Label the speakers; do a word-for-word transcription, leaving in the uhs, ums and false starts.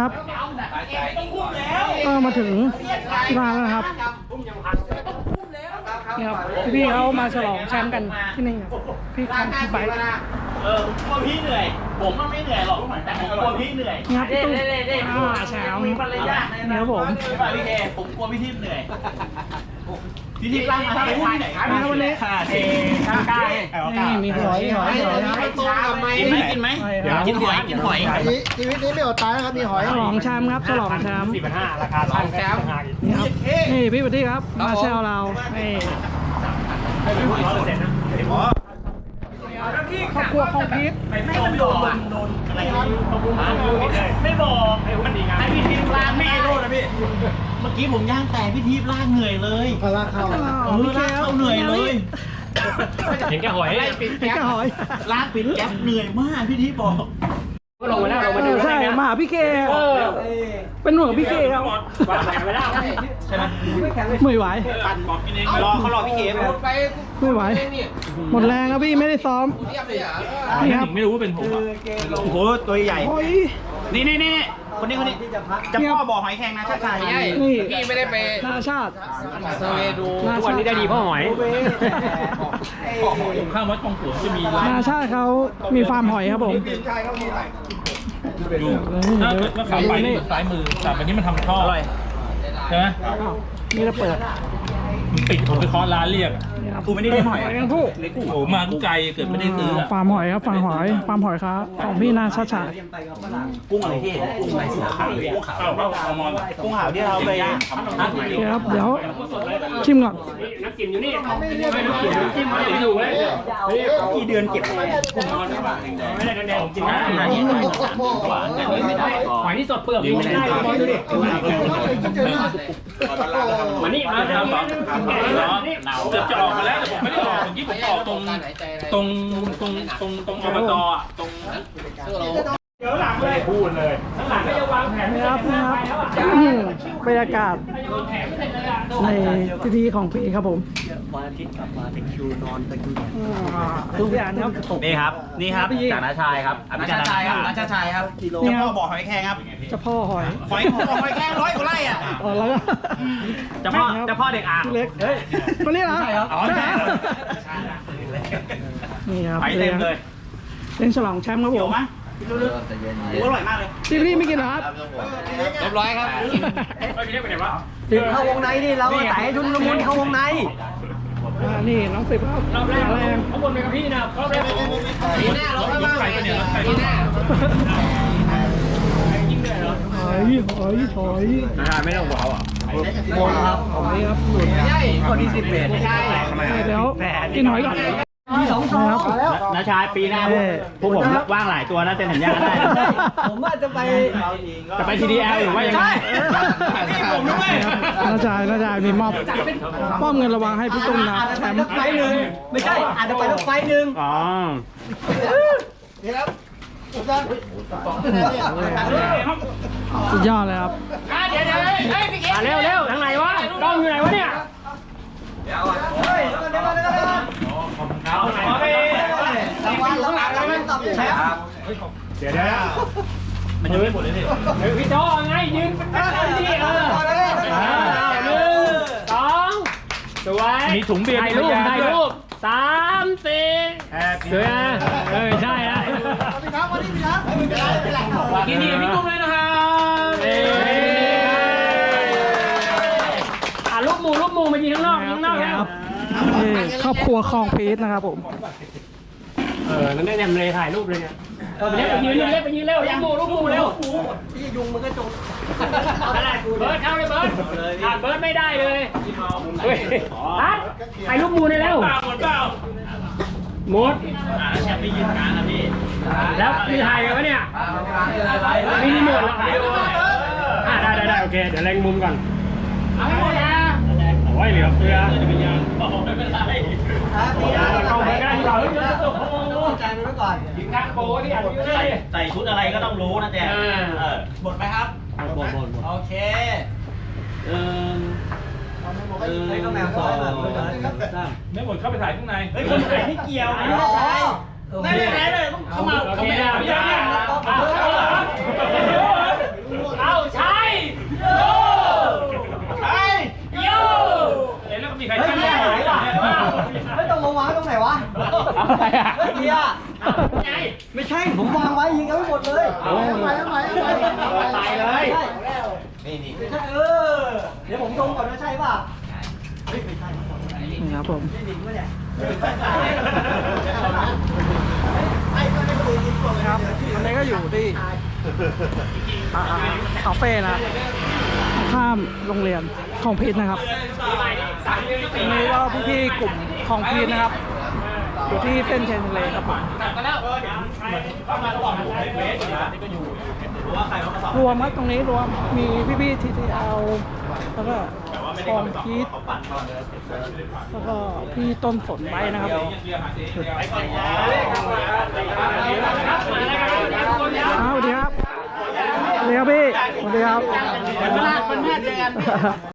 Speaker 1: ครับก็มาถึงที่ร้านแล้วนะครับนี่ครับพี่เขามาฉลองแชมป์กันที่นี่พี่คอมพี่ไบค์
Speaker 2: เออผมกลัวพี่เหนื่อยผมก็ไม่เหนื่อยหรอกแต่ผมกลัวพี่เหนื่อย
Speaker 1: ครับพี่ตุ้มอ่าแชมป์นี่ครับผม
Speaker 2: พี่เคผมกลัวพี่ทิพย์เหนื่อยพี่ทิพย์ร่างมาทำอะไรที่ไหนครับ
Speaker 1: วันนี้
Speaker 2: ค่ะเทข้าวกล้า
Speaker 1: นี่มีหอยหอยหอย
Speaker 2: กินไหมกินไหมกินหอยกินหอย
Speaker 3: ชีวิตนี้ไม่อดตายนะครับมีหอย
Speaker 1: ฉลองแชมป์ครับฉลองแชมป์
Speaker 4: สี่พันห้าราคาช่างแชมป์
Speaker 1: นี่ครับนี่พี่ปฏิครับมาแซวเรานี่ครอบครัวของพีท
Speaker 2: ไม่โดนโดนอะไรไม่บอกไอ้วันนี้ไงไอ้พี่ทิพย์ล่างไม่โดนนะพี่เมื่อกี้ผมย่างแต่พี่ทิพย์ล่างเหนื่อยเลย
Speaker 3: ลากเข้า
Speaker 2: เออล่างเข้าเหนื่อยเลย
Speaker 4: เห็นแกหอย
Speaker 1: ปิดแก๊หอย
Speaker 2: ล่างปิดแก๊ปเหนื่อยมากพี่ทิพย์บอก
Speaker 4: ก็ลงมาแล้วลงมาดู
Speaker 1: ใช่มาพี่เคเป็นหน่วยพี่เคครับ
Speaker 4: ไม่ได้
Speaker 2: ใช่ไหม
Speaker 1: ไม่ไหว
Speaker 2: ปั่นบอกกินเองรอเขารอพี่เคหมดไป
Speaker 1: ไม่ไหวหมดแรงครับพี่ไม่ได้ซ้อม
Speaker 4: นี่ครับไม่รู้ว่าเป็นผม
Speaker 2: โอ้โหตัวใหญ่นี่นี่นี่คนนี้คนนี้จะพ่อบอกหอยแครงนะชาติชาย
Speaker 1: นี่
Speaker 3: พี่ไม่ได้ไป
Speaker 1: นาชาติ
Speaker 3: เซเวดู
Speaker 4: ทุกวันนี้ได้ดีพ่อหอยข้างวัดกองขัวจะมี
Speaker 1: นาชาติเขามีฟาร์มหอยครับผม
Speaker 4: ดูถ้าเกิดว่าขับไปนี่ซ้ายมือแต่วันนี้มันทำท่อใช่ไหม
Speaker 1: นี่เราเปิด
Speaker 4: มันปิดผมไปเคาะร้านเรียก
Speaker 2: กูไม่ได้ได้หอย
Speaker 1: กันผู้
Speaker 4: โอ้มากูไกลเกิดไม่ได้ซื้อ
Speaker 1: ฟาร์มหอยครับฟาร์มหอยฟาร์มหอยครับของพี่นาชาติชาย
Speaker 2: กุ้งอะไรที่กุ้งอะไรสีขาวกุ้งขาวกุ้งขาวที่เราไป
Speaker 1: ครับเดี๋ยวชิมก่อน
Speaker 4: นักกินอยู่นี่ไม่นักกินจิ้มมาอยู่เลย
Speaker 2: กี่เดือนเก็บ
Speaker 4: ไม่ได้แดงๆกินนะหอยที่สดเปลือกไม่ได้บอยดูดิมานี่มาแล้วเกือบจะออกมาแล้วแต่ผมไม่ได้ออกเมื่อกี้ผมออกตรงตรงตรงตรงตรงอบตอ่ะตรงเดี๋ยวหลังเลยพูดเลยหลังก็จะวางแผน
Speaker 1: นะครับนะครับบรรยากาศในพิธีของพี่ครับผม
Speaker 3: วันอาทิตย์กลับมาตะคิวนอนตะคิว
Speaker 1: ทุกอย่างครับ
Speaker 2: นี่ครับนี่ครับจากนาชายครับนาชาชายครับนาชาชายครับเจ้าพ่อบอกหอยแครงครับ
Speaker 1: เจ้าพ่อหอย
Speaker 2: หอยหอยแครงร้อยกว่าไร่อ่ะ
Speaker 1: อ๋อแล้วก็
Speaker 2: เจ้าพ่อเจ้าพ่อเด็กอ่าง
Speaker 1: เล็กเฮ้ยคนนี้เหรอ
Speaker 2: ใช่ครับอ๋อใช่
Speaker 1: นี่ครับ
Speaker 2: ไปเต็มเลย
Speaker 1: เล่นฉลองแชมป์ครับผม
Speaker 2: ลึกๆอร่อยมากเลย
Speaker 1: พี่พี่ไม่กินหรอครับ
Speaker 3: เรียบร้อยครับ
Speaker 4: ไม่พี่ไปไหนวะ
Speaker 3: ถึงเข้าวงในนี่เราใส่ชุนละมุนเข้าวงใน
Speaker 1: นี่น้องสิบครับ
Speaker 4: รอบแรกเขาบนไปกับพี่นะรอบแรก
Speaker 3: ปีหน้าเราเข้าบ้างปีหน้า
Speaker 4: ยิ่งเหนื่อยเหรอ
Speaker 1: หอยหอยหอย
Speaker 4: นาไม่ต้องบอกอ่ะ
Speaker 3: หมดครับ
Speaker 1: หอยครับหลุด
Speaker 3: ใช่คนที่สิบแปดใช่
Speaker 1: เดี๋ยวกินหอยก่อน
Speaker 3: มีสองตัวแล้ว
Speaker 2: นาชายปีหน้าพวกผมว่างหลายตัวนะเซ็นสัญญาได้
Speaker 3: ผมว่าจะไป
Speaker 2: จะไป ที ดี แอล หรือว่ายังไง
Speaker 1: ผมด้วยนาชายนาชายมีมอบมอบเงินระวังให้พี่ตุ้มนะแชมป์
Speaker 3: ไฟหนึ่งไม่ใช่อาจจะไปรถไฟหนึ่ง
Speaker 2: อ๋อ
Speaker 3: นี่ครับ
Speaker 1: สุดยอดเลยครับ
Speaker 4: เดี๋ยวเดี๋ยวเฮ้ยพี่เก๋เร็วเร็วทางไหนวะกล้องอยู่ไหนวะเนี่ย
Speaker 3: เดี๋ยวเฮ้ยเดี๋ยวเดี๋ยวเดี๋ยว
Speaker 4: เอาไหนวะ
Speaker 3: รางวัลรางวัลรางวัลตอบแชมป์
Speaker 4: เดี๋ยวเดี๋ยวมันยังไม่หมดเลยนี่เฮ้ยพี่โจ้ไงยืนเป็นคนที่เออหนึ่งสองสวยมีถุงเบียร์ถ่ายรูปถ่ายรูปสามสี่สวยอ่ะเออใช่ฮะ
Speaker 3: พี่ครับวันนี้พี่ครับไม่เป็นไรไม่เป็นไร
Speaker 4: กินดีพี่กุ้งเลยนะครับอ่ะลูกหมูลูกหมูมายิงข้างนอกยิงข้างนอกครับ
Speaker 1: ครอบครัวคลองพีชนะครับผม
Speaker 4: เออนั่นได้แนมเลยถ่ายรูปเลยเนี่ยเล็กไปยืนเล็กไปยืนเร็วยังหมูลูกหมูเร็ว
Speaker 3: พี่ยุงมันก็จง
Speaker 4: เบิร์ดเข้าเลยเบิร์ดขาดเบิร์ดไม่ได้เลยเฮ้ยฮัทถ่ายรูปหมูเลยเร็วหมดเปล่าหมด
Speaker 2: แชมป์ไม่ยืนกลางนะพี่
Speaker 4: แล้วมีถ่ายกันวะเนี่ยมีรีโมทแล้วถ่ายอ่าได้ได้ได้โอเคเดี๋ยวเล็งมุมก่อนเอาให้หมดนะโอ้ยเหลือเฟือไม่เป็นไรเข้าไปก็ได้ที่เราเยอะๆโอ้โห
Speaker 3: ใจมันไว้ก่อน
Speaker 4: ยิงทางโบที่อันนี้ได้
Speaker 2: ใส่ชุดอะไรก็ต้องรู้นะแจ๊หมดไหมครับ
Speaker 3: หมดหมด
Speaker 2: โอเคเออ
Speaker 3: ไม่ก็แมวซอยแบบ
Speaker 4: ไม่หมดเข้าไปถ่ายข้างใน
Speaker 2: เฮ้ยคนถ่ายไม่เกี่ยวนะไม่ได้ไหนเลยต้องเข้ามาเข้ามา
Speaker 4: เอาใคร
Speaker 3: เฮ้ย
Speaker 4: จะ
Speaker 3: เบียร์หายว่ะเฮ้ยตรงมาวางตรงไหนวะ
Speaker 4: อะไรอ่ะ
Speaker 3: เฮ้ยเบียร์ไม่ใช่ผมวางไว้ยิงกันไม่หมดเลย
Speaker 2: เอาทำไมทำไมทำไมตายเลย
Speaker 3: นี่นี่ไม่ใช่เออเดี๋ยวผมดมก่อนว่าใช่ป่ะเฮ้ยไม่ใช่
Speaker 1: นี่ครับผม
Speaker 3: ไม่หนิงวะเนี่ย
Speaker 1: ครับวันนี้ก็อยู่ที่อ่าคาเฟ่นะข้ามโรงเรียนของพีทนะครับวันนี้ก็พี่ๆกลุ่มของพีทนะครับ อยู่ที่เส้นเชนทะเลครับผมรวมครับตรงนี้รวมมีพี่ๆทีทีเอลแล้วก็ของพีทแล้วก็พี่ต้นสนไว้นะครับอ้าวสวัสดีครับสวัสดีครับพี่สวัสดีครับ
Speaker 2: มันพลาดมันพลาดเจอกัน